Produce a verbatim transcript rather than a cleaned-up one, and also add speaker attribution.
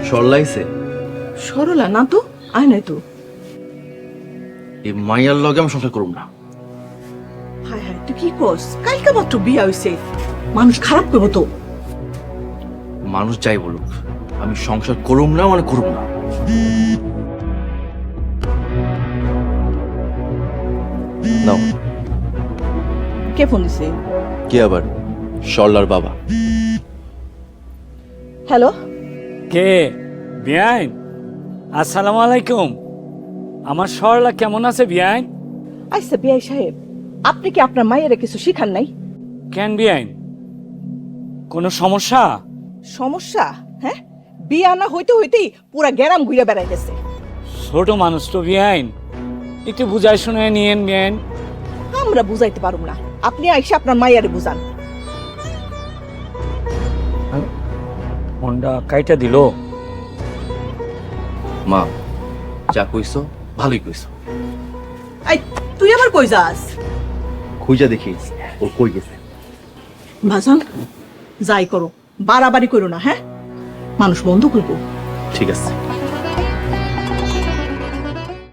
Speaker 1: সরলাইছে
Speaker 2: সরলা না তো, আয় নাই তো।
Speaker 1: এই মাইয়ার লগে আমি সংসার করব না।
Speaker 2: হায় হায়, তুই কি করস? কালকে মাত্র বিয়া হইছে, মানুষ খারাপ করবো তো।
Speaker 1: মানুষ যাই বলুক, আমি সংসার করব না মানে করব না। নাও।
Speaker 2: কে ফোন দিছে?
Speaker 1: কে আবার? সরলার বাবা।
Speaker 2: হ্যালো,
Speaker 3: কে? বিয়াইন, আসসালামু আলাইকুম। আমার সরলা কেমন আছে বিয়াইন?
Speaker 2: আচ্ছা বিয়াই সাহেব, আপনি কি আপনার মায়ের কিছু শিখান নাই?
Speaker 3: কেন বিয়াইন, কোনো সমস্যা?
Speaker 2: সমস্যা? হ্যাঁ, বিয়া না হইতে হইতেই পুরা গ্যারাম ঘুরে বেড়াই গেছে।
Speaker 3: ছোট মানুষ তো বিয়াইন, একটু বুঝাই শুনে নিয়েন বিয়াইন।
Speaker 2: আমরা বুঝাইতে পারুম না, আপনি আইসা আপনার মাইয়ারে বুঝান।
Speaker 3: ফোনটা কাইটা দিল।
Speaker 1: মা, যা কইছো ভালোই কইছো।
Speaker 2: এই, তুই আবার কই যাস?
Speaker 1: খুঁজা দেখিস ও কই গেছে।
Speaker 2: ভাসান, যাই করো, বাড়াবাড়ি করো না, হ্যাঁ? মানুষ বন্ধ করবো।
Speaker 1: ঠিক আছে।